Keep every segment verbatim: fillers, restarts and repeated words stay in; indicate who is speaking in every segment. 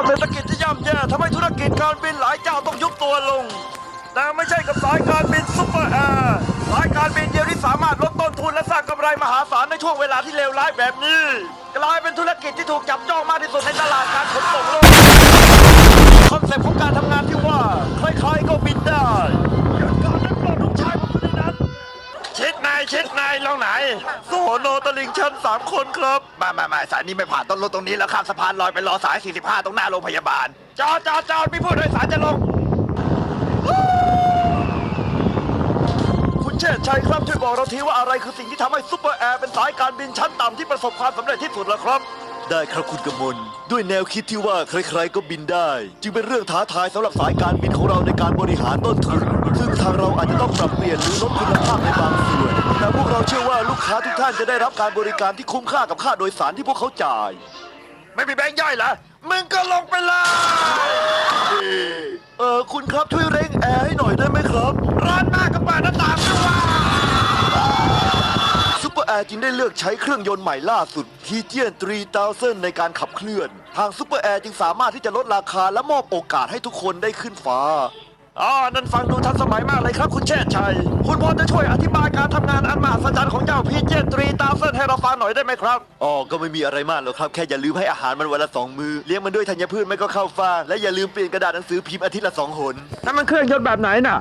Speaker 1: เศรษฐกิจที่ย่ำแย่ทำให้ธุรกิจการบินหลายเจ้าต้องยุบตัวลงแต่ไม่ใช่กับสายการบินซุปเปอร์แอร์สายการบินเดียวที่สามารถลดต้นทุนและสร้างกำไรมหาศาลในช่วงเวลาที่เลวร้ายแบบนี้กลายเป็นธุรกิจที่ถูกจับจ้องมากที่สุดในตลาดการขนส่งโลกคอนเซ็ปต์ของการทำงานที่ว่าใครๆก็บินได้การนั้นปลดลูกชายผมคนนั้นชิดนายชิดนายลงไหนโซโนตลิงชันสามคนครับมามามาสายนี้ไม่ผ่านต้นรถตรงนี้แล้วข้ามสะพานลอยไปรอสายสี่สิบห้าตรงหน้าโรงพยาบาลจอดจอดจอดมีผู้โดยสารจะลงคุณเชษชัยครับช่วยบอกเราทีว่าอะไรคือสิ่งที่ทำให้ซุปเปอร์แอร์เป็นสายการบินชั้นต่ำที่ประสบความสำเร็จที่สุดล่ะครับได้ครับคุณกมลด้วยแนวคิดที่ว่าใครๆก็บินได้จึงเป็นเรื่องท้าทายสำหรับสายการบินของเราในการบริหารต้นทุนซึ่งทางเราอาจจะต้องปรับเปลี่ยนหรือลดคุณภาพในบางส่วนแต่พวกเราเชื่อว่าลูกค้าทุกท่านจะได้รับการบริการที่คุ้มค่ากับค่าโดยสารที่พวกเขาจ่ายไม่มีแบงค์ย่อยเหรอมึงก็ลงไปเลยเออคุณครับช่วยเร่งแอร์ให้หน่อยได้ไหมครับร้อนมากกับเปิดหน้าต่างด้วยซุปเปอร์แอร์จึงได้เลือกใช้เครื่องยนต์ใหม่ล่าสุด พี จี สามพัน ในการขับเคลื่อนทางซุปเปอร์แอร์จึงสามารถที่จะลดราคาและมอบโอกาสให้ทุกคนได้ขึ้นฟ้าอ๋อนั่นฟังดูทันสมัยมากเลยครับคุณเชษชัยคุณพอจะช่วยอธิบายการทำงานอันมหัศจรรย์ของเจ้า พี จี สามพัน ให้เราฟังหน่อยได้ไหมครับอ๋อก็ไม่มีอะไรมากหรอกครับแค่อย่าลืมให้อาหารมันวันละสองมื้อเลี้ยงมันด้วยธัญพืชไม่ก็ข้าวฟ่างและอย่าลืมเปลี่ยนกระดาษหนังสือพิมพ์อาทิตย์ละสองหนนั่นมันเครื่องยนต์แบบไหนน่ะ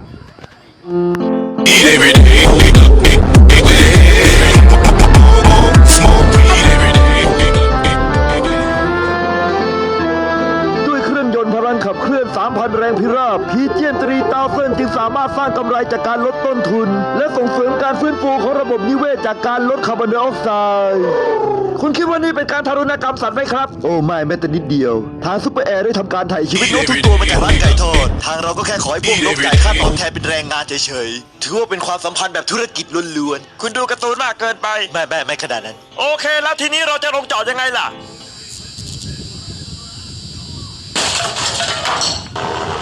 Speaker 1: พลังขับเคลื่อน สามพัน แรงพิราบ พี จี สามพัน จึงสามารถสร้างกำไรจากการลดต้นทุนและส่งเสริมการฟื้นฟูของระบบนิเวศจากการลดคาร์บอนไดออกไซด์คุณคิดว่านี่เป็นการทารุณกรรมสัตว์ไหมครับโอ้ไม่แม้แต่นิดเดียวทางซุปเปอร์แอร์ได้ทำการถ่ายชีวิตนกทุกตัวมาจากร้านไก่ทอดทางเราก็แค่ขอให้พวกนกจ่ายค่าตอบแทนเป็นแรงงานเฉยๆถือว่าเป็นความสัมพันธ์แบบธุรกิจล้วนๆคุณดูการ์ตูนมากเกินไปไม่ไม่ไม่ขนาดนั้นโอเคแล้วทีนี้เราจะลงจอดยังไงล่ะ